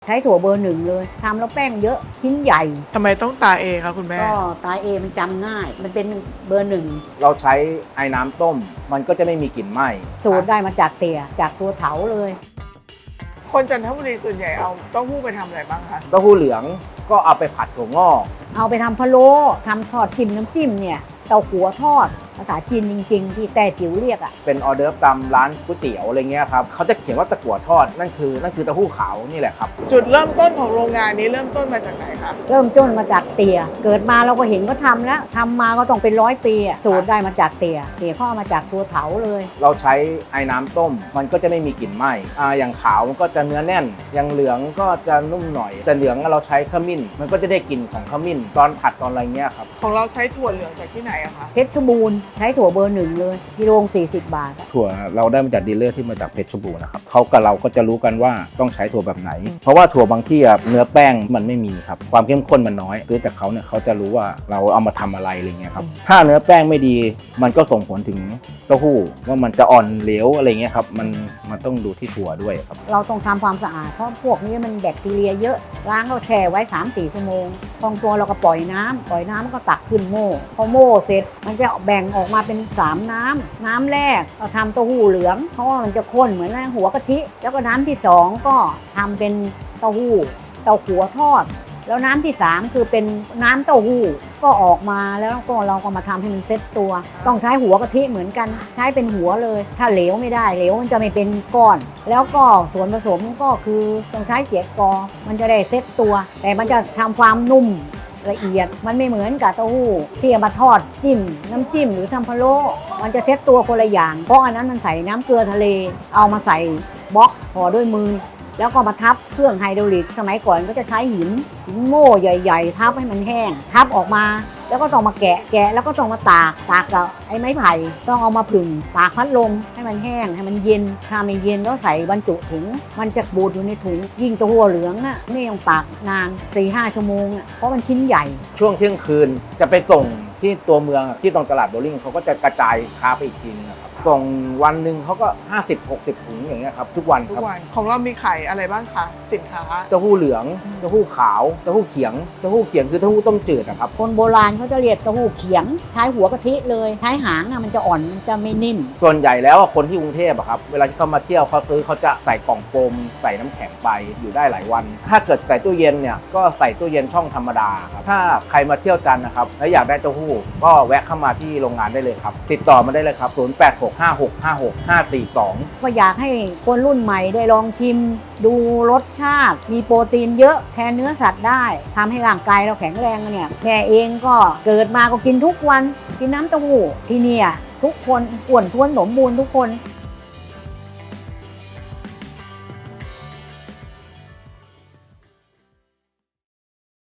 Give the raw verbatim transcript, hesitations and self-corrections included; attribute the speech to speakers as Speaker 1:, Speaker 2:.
Speaker 1: ใช้ถั่วเบอร์หนึ่งเลยทำแล้วแป้งเยอะชิ้นใหญ่
Speaker 2: ทำไมต้องตาเอคะคุณแม่
Speaker 1: ก็ตาเอมันจำง่าย มันเป็นเบอร์หนึ่ง
Speaker 3: เราใช้ไอ้น้ำต้ม มันก็จะไม่มีกลิ่นไหม้
Speaker 1: สูตรได้มาจากเตี่ยจากตัวเถาเลย
Speaker 2: คนจันทบุรีส่วนใหญ่เอาเต้าหู้ไปทำอะไรบ้างคะ
Speaker 3: เต้าหู้เหลืองก็เอาไปผัดถั่วงอก
Speaker 1: เอาไปทำพะโล้ทำทอดจิ้มน้ำจิ้มเนี่ยเต้าหัวทอดภาษาจีนจริงๆ ที่แต่จิ๋วเรียกอ่ะ
Speaker 3: เป็นออเดิร์ฟตามร้านก๋วยเตี๋ยวอะไรเงี้ยครับเขาจะเขียนว่าตะกั่วทอดนั่นคือนั่นคือเต้าหู้ขาวนี่แหละครับ
Speaker 2: จุดเริ่มต้นของโรงงานนี้เริ่มต้นมาจากไหนคะ
Speaker 1: เริ่มต้นมาจากเตี่ยเกิดมาเราก็เห็นก็ทำแล้วทำมาก็ต้องเป็นร้อยปีอะสูตรได้มาจากเตี่ยเตี่ยเขาเอามาจากตัวเถาเลย
Speaker 3: เราใช้ไอ้น้ำต้ม มันก็จะไม่มีกลิ่นไหม้อ่าอย่างขาวมันก็จะเนื้อแน่น อย่างเหลืองก็จะนุ่มหน่อย แต่เหลืองเราใช้ขมิ้น มันก็จะได้กลิ่นของขมิ้นตอนผัดตอนอะไรเงี้ยครับ
Speaker 2: ของเราใช้ถั่วเหลืองจากที่ไหนอะคะ
Speaker 1: เพชรบูรณ์ใช้ถั่วเบอร์หนึ่งเลยกิโลสี่สิบบาทอะ
Speaker 3: ถั่วเราได้มาจากดีลเลอร์ที่มาจากเพชรบูรณ์นะครับเขากับเราก็จะรู้กันว่าต้องใช้ถั่วแบบไหน เพราะว่าถั่วบางที่อะเนื้อแป้งมันไม่มีครับความเข้มข้นมันน้อยซื้อจากเขาเนี่ยเขาจะรู้ว่าเราเอามาทำอะไรอะไรเงี้ยครับถ้าเนื้อแป้งไม่ดีมันก็ส่งผลถึงเต้าหู้ว่ามันจะอ่อนเหลวอะไรเงี้ยครับมันมันต้องดูที่ถั่วด้วยครับ
Speaker 1: เราต้องทำความสะอาดเพราะพวกนี้มันแบคทีเรียเยอะล้างก็แช่ไว้ สามสี่ ชั่วโมงพองตัวเราก็ปล่อยน้ำปล่อยน้ำก็ตักขึ้นโม่พอโม่เสร็จมันจะแบ่งออกมาเป็นสามน้ำน้ำแรกเราทำเต้าหู้เหลืองเพราะว่ามันจะข้นเหมือนหัวกะทิแล้วก็น้ำที่สองก็ทำเป็นเต้าหู้เต้าหัวทอด แล้วน้ำที่สามคือเป็นน้ำเต้าหู้ก็ออกมาแล้วก็เราก็มาทำให้มันเซ็ตตัว ต้องใช้หัวกะทิเหมือนกันใช้เป็นหัวเลย ถ้าเหลวไม่ได้เหลวมันจะไม่เป็นก้อน แล้วก็ส่วนผสมก็คือต้องใช้เสียกอมันจะได้เซ็ตตัว แต่มันจะทำความนุ่มละเอียดมันไม่เหมือนกับเต้าหู้ที่เอามาทอดจิ้มน้ำจิ้มหรือทำพะโล้มันจะเซ็ตตัวคนละอย่างเพราะอันนั้นมันใส่น้ำเกลือทะเลเอามาใส่บล็อกห่อด้วยมือแล้วก็มาทับเครื่องไฮดรอลิกสมัยก่อนก็จะใช้หินหินโม่ใหญ่ๆทับให้มันแห้งทับออกมาแล้วก็ต้องมาแกะแกะแล้วก็ต้องมาตากตากกับไอ้ไม้ไผ่ต้องเอามาผึ่งตากพัดลมให้มันแห้งให้มันเย็นถ้าไม่เย็นก็ใส่บรรจุถุงมันจะบูดอยู่ในถุงยิ่งตัวหัวเหลืองน่ะไม่ต้องตากนาน สี่ห้า ชั่วโมงอ่ะเพราะมันชิ้นใหญ่
Speaker 3: ช่วงเที่ยงคืนจะไปส่งที่ตัวเมืองที่ตรงตลาดโบลิ่งเขาก็จะกระจายค้าไปอีกทีนึงครับส่งวันหนึ่งเขาก็ ห้าสิบหกสิบ ถุงอย่างเงี้ยครับทุกวัน
Speaker 2: ทุ
Speaker 3: ครั
Speaker 2: ก
Speaker 3: บ
Speaker 2: วันของเรามีขายอะไรบ้างคะสินค้า
Speaker 3: เต้าหู้เหลืองเต้าหู้ขาวเต้าหู้เขียงเต้าหู้เขียงคือเต้าหู้ต้มจืดอะครับ
Speaker 1: คนโบราณเขาจะเรียกเต้าหู้เขียงใช้หัวกะทิเลยใช้หางน่ะมันจะอ่อนมันจะไม่นิ่ม
Speaker 3: ส่วนใหญ่แล้วคนที่กรุงเทพอะครับเวลาที่เขามาเที่ยวเขาซื้อเขาจะใส่กล่องโฟมใส่น้ำแข็งไปอยู่ได้หลายวัน ถ้าเกิดใส่ตู้เย็นเนี่ยก็ใส่ตู้เย็นช่องธรรมดาครับถ้าใครมาเที่ยวจันทร์นะครับแล้วอยากได้เต้าหู้ก็แวะเข้ามาที่โรงงานได้เลยครับติดต่อมาได้เลยครับศูนย์ แปด หก ห้า หก ห้า หก ห้า สี่ สอง
Speaker 1: ก็อยากให้คนรุ่นใหม่ได้ลองชิม ดูรสชาติ มีโปรตีนเยอะแทนเนื้อสัตว์ได้ทำให้ร่างกายเราแข็งแรงเนี่ยแม่เองก็เกิดมาก็กินทุกวันกินน้ำเต้าหู้ที่เนี่ยทุกคนอ้วนท้วนสมบูรณ์ทุกคน